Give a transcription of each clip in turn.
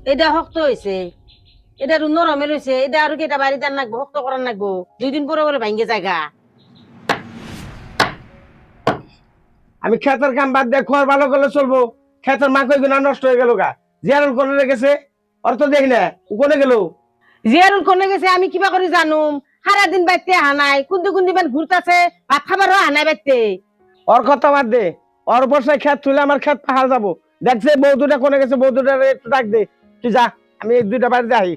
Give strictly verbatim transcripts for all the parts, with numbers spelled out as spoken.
এটা শক্ত হয়েছে, এটা আর নরমের হয়েছে, এটা আর কি এটা বাড়িতে আর নাকবো, শক্ত করার নাকবো, দুই দিন পরে পরে ভাঙ্গে জায়গা। আমি খেতের কাম বাদ দিয়ে খোয়ার ভালো করলে চলবো? খেতের মা কই গুনা নষ্ট হয়ে গেল গা, জিয়ারুল কোনে রেখেছে, অর্থ দেখি না ও কোনে গেল। জিয়ারুল কোনে গেছে আমি কিবা করে জানুম? সারা দিন বাইতে হানাই, কুন্দি কুন্দি বেন ঘুরতাছে, ভাত খাবারও হানাই বাইতে। ওর কথা বাদ দে, ওর বর্ষায় খেত তুলে আমার খেত পাহাড় যাবো। দেখছে বউ দুটা কোনে গেছে, বউ দুটা একটু ডাক দে। তুই যা, আমি এক দুইটা বাড়িতে আহি।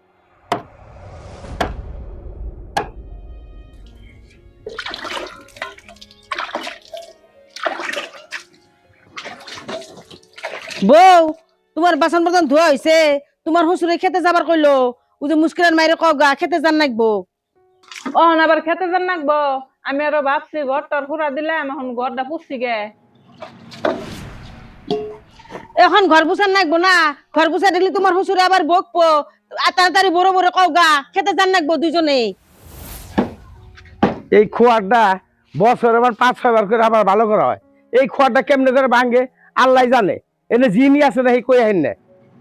বউ, তোমার বাসন বর্তন ধোয়া হয়েছে? তোমার শ্বশুরে খেতে যাবার কইলো, ও যে মুশকিলের মাইরে কগা খেতে যান নাকবো। অহন আবার খেতে যান নাকবো? আমি আরো ভাবছি ঘরটার হুড়া দিলাম, এখন ঘরটা পুষছি গে। এখন ঘর বুঝান নাকবো না? ঘর বুঝা দেখলে তোমার শ্বশুরে আবার বকবো। আর তাড়াতাড়ি বড় বড় কগা খেতে যান নাকবো দুজনে। এই খোয়ারটা বছর আবার পাঁচ ছয় বার করে আবার ভালো করা হয়। এই খোয়ারটা কেমনে করে ভাঙে আল্লাহ জানে। এনে জিনি আছে না, এই কই আহেন না।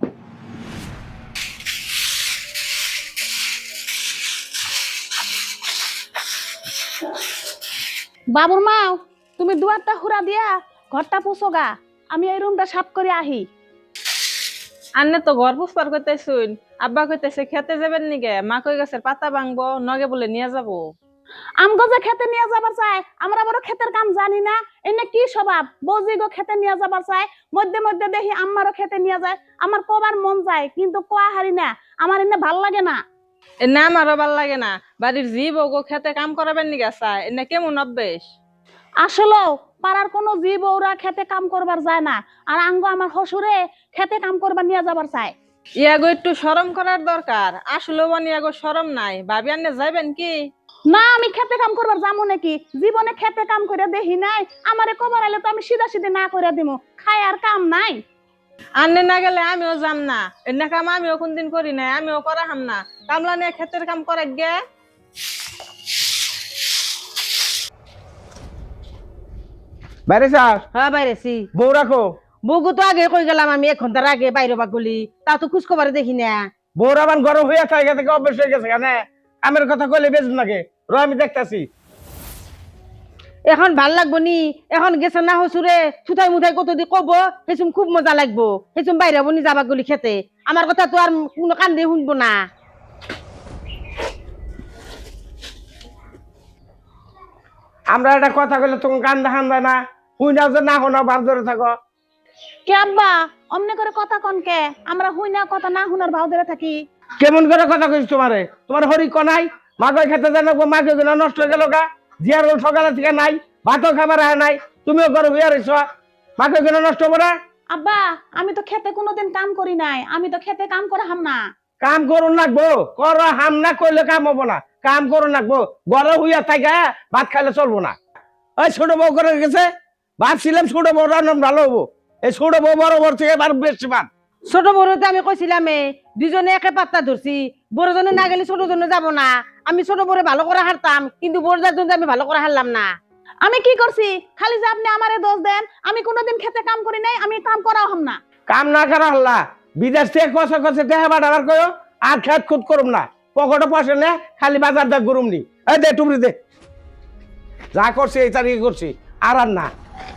বাবুর মাও, তুমি দুয়ারটা হুরা দিয়া ঘরটা পুষো গা, আমি এই রুমটা সাফ করে আহি। আন্নে তো ঘর পুষবার কইতেছুন, আব্বা কইতেছে খেতে যাবেন নিগে, মা কই গাছের পাতা ভাঙবো, নগে বলে নিয়ে যাবো। আমগো যে খেতে নিয়ে যাবার চাই, আমরা বড় ক্ষেতের কাম জানি না? এনে কি স্বভাব, বৌজি গো খেতে নিয়ে যাবার চাই, মধ্যে মধ্যে দেখি আমারও খেতে নিয়ে যায়। আমার কবার মন যায় কিন্তু কোয়া হারি না, আমার এনে ভাল লাগে না। এ না আমারও ভাল লাগে না, বাড়ির জি বউ খেতে কাম করাবেন নিগে চায়, এনে কেমন অভ্যেস। আসলেও পাড়ার কোনো জি বউরা খেতে কাম করবার যায় না, আর আঙ্গ আমার শ্বশুরে খেতে কাম করবার নিয়ে যাবার চাই। ইয়াগো একটু শরম করার দরকার, আসলে বানি ইয়াগো শরম নাই, ভাবি আন্নে যাইবেন কি? না, আমি খেতে কাম করবার যাবো নাকি? জীবনে খেতে কাম করে দেখি নাই, আমারে কবার আইলে তো আমি সিধা সিধে না করে দিমু, খাই আর কাম নাই। আন্নে না গেলে আমিও যাম না, এনে কাম আমিও কোনদিন করি নাই, আমিও করা হাম না, কামলা নিয়ে ক্ষেতের কাম করে গে। বাইরে স্যার, হ্যাঁ বাইরেছি। বউ রাখো। বউগো তো আগে কই গেলাম, আমি এক ঘন্টার আগে বাইরে বা গলি, তা তো খোঁজ খবর দেখি না। বউর আবার গরম হয়ে থাকে থেকে অভ্যেস হয়ে গেছে কেন? আমের কথা কইলে বেজন লাগে, র আমি দেখতাছি। এখন ভাল লাগবো নি? এখন গেছে না হসুরে, ছুটাই মুঠাই কত দি কব, সেসম খুব মজা লাগবো, সেসম বাইরে বনি যাবা গলি খেতে। আমার কথা তো আর কোনো কান দিয়ে শুনবো না। আমরা একটা কথা কইলে তুমি কান দেখান যায় না, হুই নাও যে না শোনাও বার ধরে থাকো। কে আব্বা অমনে করে কথা কন কে? আমরা হুই না কথা না হুনার ভাও ধরে থাকি। কেমন করে কথা কইছ তোমারে? তোমার হরি কনাই মাকে খেতে জানো, মাকে গুলো নষ্ট হয়ে গেল গা। জিয়ার সকালে থেকে নাই, ভাতও খাবার আয় নাই, তুমিও ঘরে হইয়া রইছ, মাকে গুলো নষ্ট করে। আব্বা আমি তো খেতে কোনোদিন কাম করি নাই, আমি তো খেতে কাম করে হাম না। কাম করুন লাগবো, কর হাম না করলে কাম হবো না। কাম করুন লাগবো, ঘরে হইয়া থাকে ভাত খাইলে চলবো না। ওই ছোট বউ করে গেছে, ভাবছিলাম ছোট বউ রান্না ভালো হবো, এই ছোট বউ বড় বড় থেকে বার বেশি ভাত। ছোট বড়তে আমি কইছিলাম দুজনে একে পাত্তা ধরছি, বড়জনে না গেলে ছোট জনে যাবো না। আমি ছোট বড় ভালো করে হারতাম, কিন্তু বড়দার জন্য আমি ভালো করে হারলাম না। আমি কি করছি? খালি যে আপনি আমারে দোষ দেন, আমি কোনোদিন খেতে কাম করি নাই, আমি কাম করাও হাম না। কাম না করা হল্লা, বিদেশ থেকে কষে কষে দেহা বাড়াবার কয়ো, আর খেত খুদ করুম না, পকেটে পয়সা নে, খালি বাজার দা গরুম নি। এই দে টুমরি দে, যা করছি এই তারিখে করছি, আর আর না।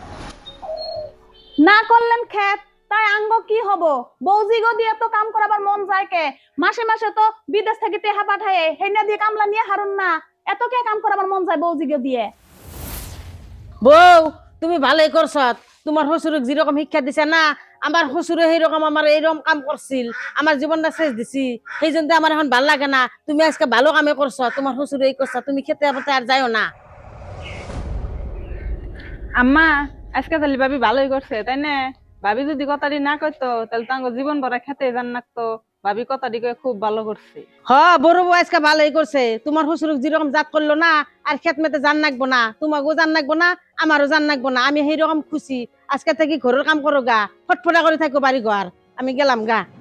না করলেন খেত, তাই আঙ্গ কি হব? বৌজি গো দিয়ে তো কাম করাবার মন যায় কে? মাসে মাসে তো বিদেশ থেকে টেহা পাঠায়, হেনা দিয়ে কামলা নিয়ে হারুন না, এত কে কাম করাবার মন যায় বৌজি গো দিয়ে? বউ, তুমি ভালোই করছ, তোমার শ্বশুরক যেরকম শিক্ষা দিছে না, আমার শ্বশুরে সেইরকম আমার এইরকম কাম করছিল, আমার জীবনটা শেষ দিছি, সেই জন্য আমার এখন ভাল লাগে না। তুমি আজকে ভালো কামে করছ, তোমার শ্বশুরে এই করছ, তুমি খেতে পথে আর যাইও না। আম্মা আজকে তাহলে ভাবি ভালোই করছে তাই না? ভাবি যদি কথাটি না কইতো তাহলে তো আমার জীবন ভরা খেতে জান নাকতো, ভাবি কথাটি কয়ে খুব ভালো করছে। হ, বড় বউ আজকে ভালোই করছে, তোমার শ্বশুরক যেরকম জাত করলো না, আর খেত মেতে জান নাকবো না, তোমাকেও জান নাকবো না, আমারও জান নাকবো না। আমি সেইরকম খুশি, আজকে থেকে ঘরের কাম করো গা, ফটফটা করে থাকো বাড়ি ঘর। আমি গেলাম গা।